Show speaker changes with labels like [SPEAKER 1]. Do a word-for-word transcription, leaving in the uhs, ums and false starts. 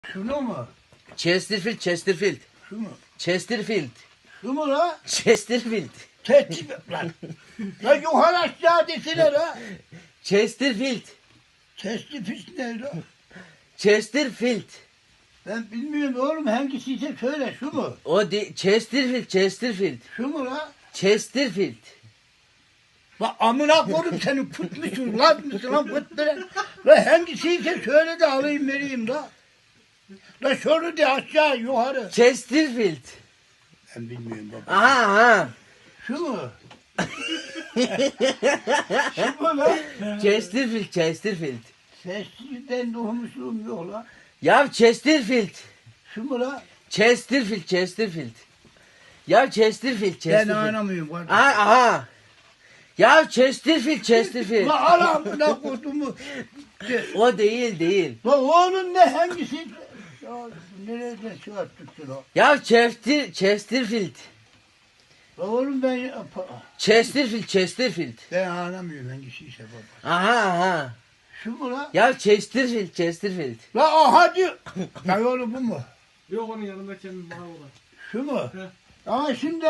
[SPEAKER 1] Şunu mu?
[SPEAKER 2] Chesterfield, Chesterfield.
[SPEAKER 1] Şu mu?
[SPEAKER 2] Chesterfield.
[SPEAKER 1] Şu mu la?
[SPEAKER 2] Chesterfield.
[SPEAKER 1] Tehdit lan. La yukarı aşağı desene la.
[SPEAKER 2] Chesterfield.
[SPEAKER 1] Testi pis ne la?
[SPEAKER 2] Chesterfield.
[SPEAKER 1] Ben bilmiyorum oğlum hangisiyse söyle şu mu?
[SPEAKER 2] O de Chesterfield, Chesterfield.
[SPEAKER 1] Şu mu la?
[SPEAKER 2] Chesterfield.
[SPEAKER 1] La amına koyayım seni put musun lan mısın lan put bile. La hangisiyse söyle de alayım vereyim la. La şunu de aşağı yukarı.
[SPEAKER 2] Chesterfield.
[SPEAKER 1] Ben bilmiyorum baba.
[SPEAKER 2] Aha aha.
[SPEAKER 1] Şu mu? Şu mu la?
[SPEAKER 2] Chesterfield, Chesterfield.
[SPEAKER 1] Sessizden doğmuşluğum yok la.
[SPEAKER 2] Ya Chesterfield.
[SPEAKER 1] Şu mu la?
[SPEAKER 2] Chesterfield, Chesterfield. Ya Chesterfield,
[SPEAKER 1] Ben
[SPEAKER 2] Chesterfield.
[SPEAKER 1] anlamıyorum kardeşim.
[SPEAKER 2] Aha aha. Ya Chesterfield, Chesterfield.
[SPEAKER 1] La aramına kodumu.
[SPEAKER 2] O değil değil.
[SPEAKER 1] La oğlum ne hangisi? Ya nereden çıkarttık la?
[SPEAKER 2] Ya Chester, Chesterfield.
[SPEAKER 1] La oğlum ben
[SPEAKER 2] Chesterfield, Chesterfield.
[SPEAKER 1] ben anlamıyorum hangisiyse baba.
[SPEAKER 2] Aha aha.
[SPEAKER 1] Şu mu la?
[SPEAKER 2] Ya Chesterfield, Chesterfield.
[SPEAKER 1] La aha diyor. Ya oğlum bu mu?
[SPEAKER 3] Yok onun yanındaki bana olan.
[SPEAKER 1] Şu mu?
[SPEAKER 3] He.
[SPEAKER 1] Ama şimdi